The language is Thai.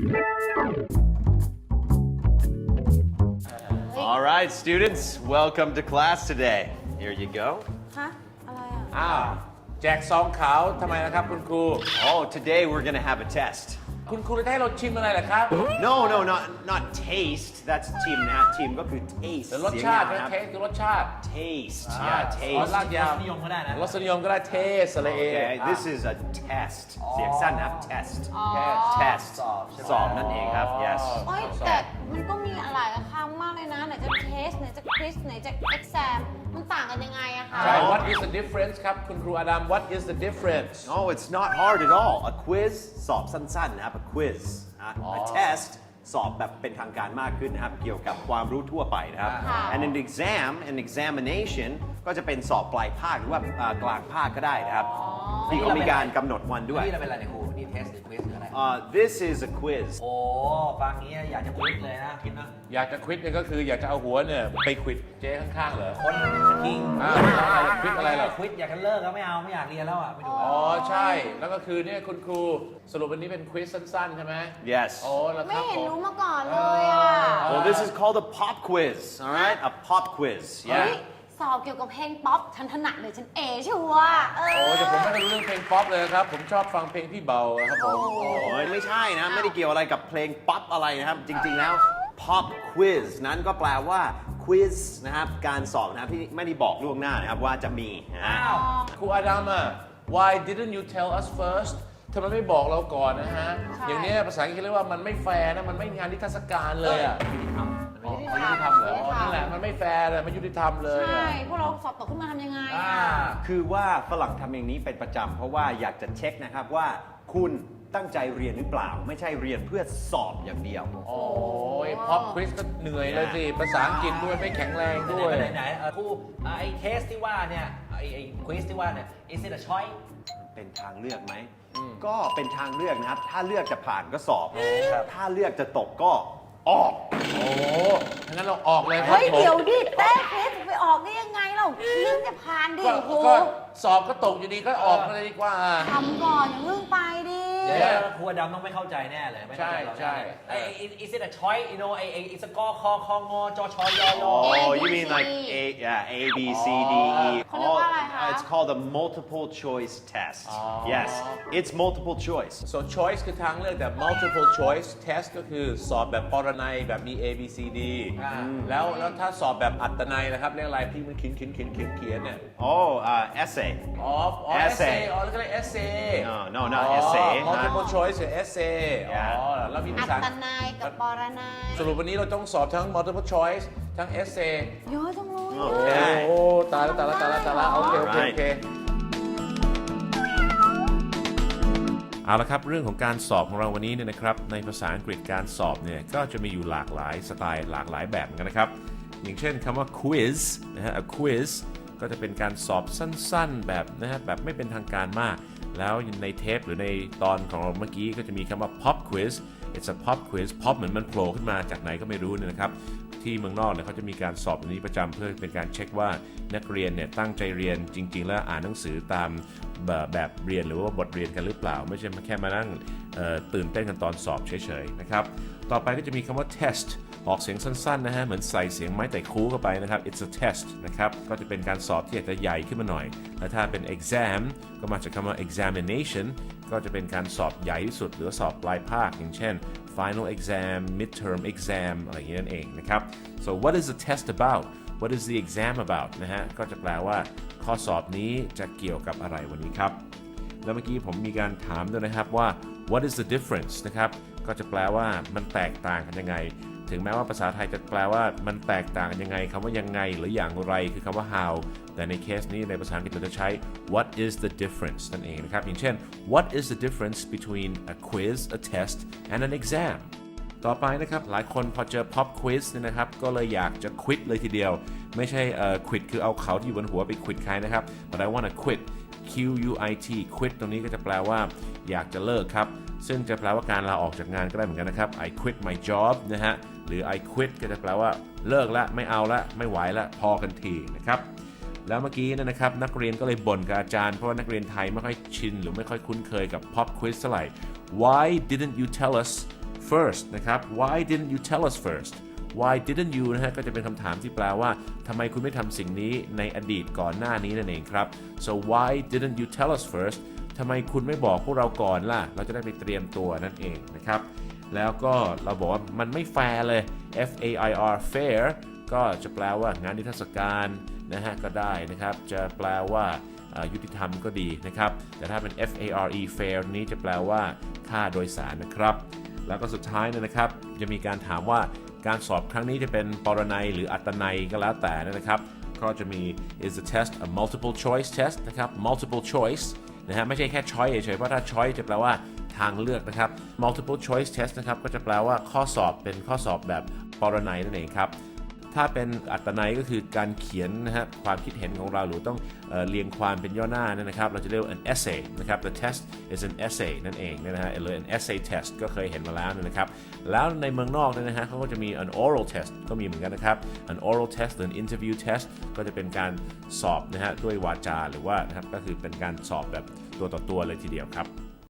All right, students, welcome to class today. Here you go. ฮะอะไรอ่ะอ้าวแจกซองขาวทำไมนะครับคุณครู Oh, today we're going to have a test. คุณครูจะให้เราชิมอะไรเหรอครับ No, not taste. That's team นะ team ก็คือ taste แต่รสชาติเสียงนะนะครับเทสคือรสชาติ taste. อ๋อ Yeah, ลา taste. กยาวนิยมก็ได้นะรสนิยมก็ได้เทสอะไรเอง Okay, this is a test. เสียงสั้นนะครับ test. แค่ test สอบนั่นเองครับ yes. โอ๊ยแต่มันก็มีหลายคำมากเลยนะไหนจะเทสไหนจะคริสไหนจะเอ็กซมมันต่างกันยังไงอะคะใช่ What is the difference ครับคุณครูอดัม What is the difference Oh, it's not hard at all. A quiz สอบสั้นๆนะครับ a quiz. A test สอบแบบเป็นทางการมากขึ้นนะครับ เกี่ยวกับความรู้ทั่วไปนะครับ and an examination ก็จะเป็นสอบปลายภาคหรือว่ากลางภาคก็ได้นะครับที่เขามีการกำหนดวันด้วยนี่เราเป็นอะไรเนี่ยครูนี่เทสหรือควิสหรืออะไร This is a quiz. โอ้ฟังงี้อยากจะควิสเลยนะคิดนะอยากจะควิดเนี่ยก็คืออยากจะเอาหัวเนี่ยไปควิดเจ๊ข้างๆเหรอคนคิงควิดอะไรเหรอควิสอยากจะเลิกก็ไม่เอาไม่อยากเรียนแล้วอ่ะไม่ดูอ๋อใช่ แล้วก็คือเนี่ยคุณครูสรุปวันนี้เป็นควิสสั้นๆใช่ไหม Yes. โอ้แล้วคไม่รับเห็นผมรู้มาก่อนเลยอะ Well, this is called a pop quiz. All right, a pop quiz. เฮ้ย Yeah. สอบเกี่ยวกับเพลงป๊อปฉันถนัดเลยฉันเอชัวร์เออโอ้แต่ผมไม่รู้เรื่องเพลงป๊อปเลยครับ ผมชอบฟังเพลงพี่เบาครับผมโอ้ยไม่ใช่นะ ไม่ได้เกี่ยวอะไรกับเพลงป๊อปอะไรนะครับ จริงๆแล้ว pop quiz นั้นก็แปลว่า quiz นะครับ การสอบนะครับที่ไม่ได้บอกล่วงหน้านะครับว่าจะมีนะฮะครูอาดัมอะ Why didn't you tell us first ทำไมไม่บอกเราก่อนนะฮะ อย่างเนี้ยภาษาอังกฤษเรียกว่ามันไม่แฟร์นะ มันไม่งานนิทรรศการเลยอะอ๋อยุติธรรมเหรออ๋อนั่นแหละ มันไม่แฟร์เลยมันยุติธรรมเลยใช่อะพวกเราสอบตกขึ้นมาทำยังไงอ่าอะคือว่าฝรั่งทำอย่างนี้เป็นประจำเพราะว่าอยากจะเช็คนะครับว่าคุณตั้งใจเรียนหรือเปล่า ไม่ใช่เรียนเพื่อสอบอย่างเดียวโอ้ยพ็อปควิสก็เหนื่อยเลยสิ ภาษาอังกฤษด้วยไม่แข็งแรงด้วยไหนครูไอ้เทสที่ว่าเนี่ยไอ้ควิสที่ว่าเนี่ย is it a choice เป็นทางเลือกไหม ก็เป็นทางเลือกนะครับ ถ้าเลือกจะผ่านก็สอบ ถ้าเลือกจะตกก็ออกโอ้งั้นเราออกเลยครับเฮ้ยผมเดี๋ยวดิเต้เพสไปออกได้ยังไงเราเรื่องจะผ่านดิก็โอ้โหก็สอบก็ตกอยู่ดีก็ออกมาเลยดีกว่าทำก่อนอย่าเพิ่งไปดิเดี๋ยวครูดำต้องไม่เข้าใจแน่เลยไม่เข้าใจเราใช่ไอ้ is it a choice you know ไอ้ is a กคอคองจชยย Oh, you mean like A, B, C, D, E. เขาเรียกว่าอะไรคะ It's called a multiple choice test. Yes, it's multiple choice. so choice คือทางเลือกแต่ multiple choice test ก็คือสอบแบบปรนัยแบบมี A B C D แล้วถ้าสอบแบบอัตนัยนะครับเรียกอะไรพี่มันเขียนเนี่ย Oh, essay. อ๋อ essay อ๋อแล้วก็เรียก essay No, not essay. multiple choice หรือ essay อ๋อแล้วมีภาอัษาตนายกับปรนายสรุปวันนี้เราต้องสอบทั้ง multiple choice ทั้ง essay เยอะจังเลยโอเคโอ้ตายแล้วโอเคเอาละครับเรื่องของการสอบของเราวันนี้เนี่ยนะครับในภาษาอังกฤษการสอบเนี่ยก็จะมีอยู่หลากหลายสไตล์หลากหลายแบบเหมือนกันนะครับอย่างเช่นคำว่า quiz นะฮะ a quiz ก็จะเป็นการสอบสั้นๆแบบนะฮะแบบไม่เป็นทางการมากแล้วในเทปหรือในตอนของเราเมื่อกี้ก็จะมีคำว่า pop quiz it's a pop quiz pop เหมือนมันโผล่ขึ้นมาจากไหนก็ไม่รู้เนี่ยนะครับที่เมืองนอกเนี่ยเขาจะมีการสอบแบบนี้ประจำเพื่อเป็นการเช็คว่านักเรียนเนี่ยตั้งใจเรียนจริงๆแล้วอ่านหนังสือตามแบบเรียนหรือว่าบทเรียนกันหรือเปล่าไม่ใช่แค่มานั่งตื่นเต้นกันตอนสอบเฉยๆนะครับต่อไปก็จะมีคำว่า test ออกเสียงสั้นๆนะฮะเหมือนใส่เสียงไม้แต่คูเข้าไปนะครับ it's a test นะครับก็จะเป็นการสอบที่อาจจะใหญ่ขึ้นมาหน่อยและถ้าเป็น exam ก็มาจากคำว่า examination ก็จะเป็นการสอบใหญ่ที่สุดหรือสอบปลายภาคอย่างเช่น final exam midterm exam อะไรอย่างนี้นั่นเองนะครับ so what is the test about what is the exam about นะฮะก็จะแปลว่าข้อสอบนี้จะเกี่ยวกับอะไรวันนี้ครับแล้วเมื่อกี้ผมมีการถามด้วยนะครับว่า what is the difference นะครับก็จะแปลว่ามันแตกต่างกันยังไงถึงแม้ว่าภาษาไทยจะแปลว่ามันแตกต่างกันยังไงคำว่ายังไงหรืออย่างไรคือคำว่า how แต่ในเคสนี้ในภาษาอังกฤษเราจะใช้ what is the difference นั่นเองนะครับอย่างเช่น what is the difference between a quiz a test and an exam ต่อไปนะครับหลายคนพอเจอ pop quiz เนี่ยนะครับก็เลยอยากจะ quit เลยทีเดียวไม่ใช่quit คือเอาเขาที่อยู่บนหัวไป quit ใครนะครับ but I want to quit Q-U-I-T quit ตรงนี้ก็จะแปลว่าอยากจะเลิกครับซึ่งจะแปลว่าการลาออกจากงานก็ได้เหมือนกันนะครับ I quit my job นะฮะหรือ I quit ก็จะแปลว่าเลิกละไม่เอาละไม่ไหวละพอกันทีนะครับแล้วเมื่อกี้นะครับนักเรียนก็เลยบ่นกับอาจารย์เพราะว่านักเรียนไทยไม่ค่อยชินหรือไม่ค่อยคุ้นเคยกับ pop quiz เท่าไหร่ Why didn't you tell us first นะครับ why didn't you tell us first why didn't you นะฮะก็จะเป็นคำถามที่แปลว่าทำไมคุณไม่ทำสิ่งนี้ในอดีตก่อนหน้านี้นั่นเองครับ so why didn't you tell us first ทำไมคุณไม่บอกพวกเราก่อนล่ะเราจะได้ไปเตรียมตัวนั่นเองนะครับแล้วก็เราบอกว่ามันไม่แฟร์เลย fair fair ก็จะแปลว่างานนิทรรศการนะฮะก็ได้นะครับจะแปลว่ายุติธรรมก็ดีนะครับแต่ถ้าเป็น fare fair นี้จะแปลว่าค่าโดยสารนะครับแล้วก็สุดท้ายนะครับจะมีการถามว่าการสอบครั้งนี้จะเป็นปรนัยหรืออัตนัยก็แล้วแต่นะครับก็จะมี is the test a multiple choice test นะครับ multiple choice นะฮะไม่ใช่แค่ choice เฉยๆเพราะถ้า choice จะแปลว่าทางเลือกนะครับ multiple choice test นะครับก็จะแปลว่าข้อสอบเป็นข้อสอบแบบปรนัยนั่นเองครับถ้าเป็นอัตนัยก็คือการเขียนนะฮะความคิดเห็นของเราหรือต้องเรียงความเป็นย่อหน้านะครับเราจะเรียกว่า an essay นะครับ the test is an essay นั่นเองนะฮะหรือ an essay test ก็เคยเห็นมาแล้วนะครับแล้วในเมืองนอกเนี่ยนะฮะเขาก็จะมี an oral test ก็มีเหมือนกันนะครับ an oral test หรือ an interview test ก็จะเป็นการสอบนะฮะด้วยวาจาหรือว่านะครับก็คือเป็นการสอบแบบตัวต่อตัวเลยทีเดียวครับ